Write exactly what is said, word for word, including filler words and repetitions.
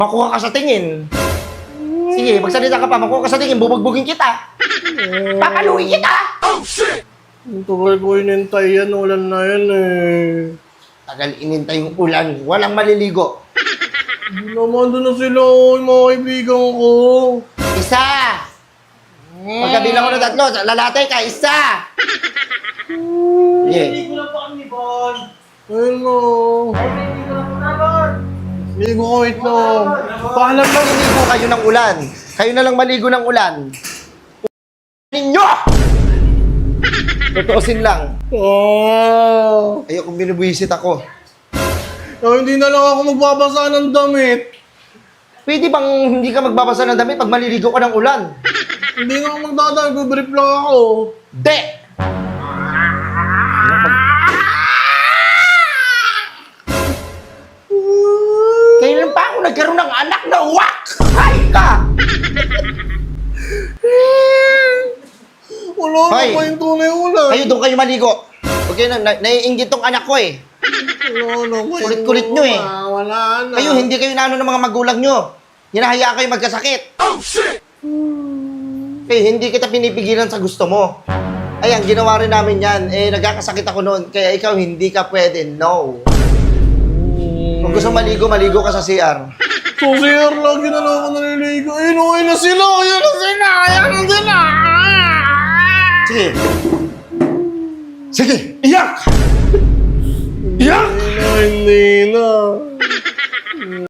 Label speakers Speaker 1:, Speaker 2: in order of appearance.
Speaker 1: Makuha ka sa tingin. Sige, magsalita ka pa. Makuha ka sa tingin. Bubugbugin kita. Papaluin kita.
Speaker 2: Ang tagal ko inintay yan, ulan na yan eh.
Speaker 1: Tagal inintay yung ulan. Walang maliligo.
Speaker 2: Hindi naman doon na sila, oh, yung mga kaibigan ko.
Speaker 1: Isa. Pagkabilang ko ng tatlo, lalatay ka. Isa. Sige.
Speaker 3: Hindi ko lang po kami, Bon.
Speaker 2: Ayun mo.
Speaker 3: Hindi ko lang po naman.
Speaker 2: Hindi ko wait na.
Speaker 1: Paalam lang maligo kayo ng ulan. Kayo na lang maligo ng ulan. Ninyo! Totoosin lang.
Speaker 2: Oh.
Speaker 1: Ayokong binibwisit ako.
Speaker 2: Oh, hindi na lang ako magbabasa ng damit.
Speaker 1: Pwede bang hindi ka magbabasa ng damit pag maliligo ka ng ulan?
Speaker 2: Hindi na ako magdadaan, brief lang ako.
Speaker 1: De! Kailan pa ako nagkaroon ng anak na wak? Hay ka!
Speaker 2: Wala
Speaker 1: Hoy.
Speaker 2: na pa yung tunay ulan.
Speaker 1: Kayo doon kayo maligo. Okay na, na naiinggit tong anak ko eh.
Speaker 2: Wala na pa yung
Speaker 1: Kulit-kulit nyo eh.
Speaker 2: ulan. Wala na.
Speaker 1: Kayo, hindi kayo naano ng mga magulang nyo. Hinahayaan kayo magkasakit. Oh, shit! Kayo, hindi kita pinipigilan sa gusto mo. Ayan, ginawa rin namin yan. Eh, nagkakasakit ako noon. Kaya ikaw, hindi ka pwede. No. Kung gusto maligo, maligo ka sa C R.
Speaker 2: So, sir, lagi na lang ako naliligo. Inuwi na sila! Ayan na sila! Ayan na sila!
Speaker 1: Sige. Sige, iyak! Iyak!
Speaker 2: Hindi na, hindi na.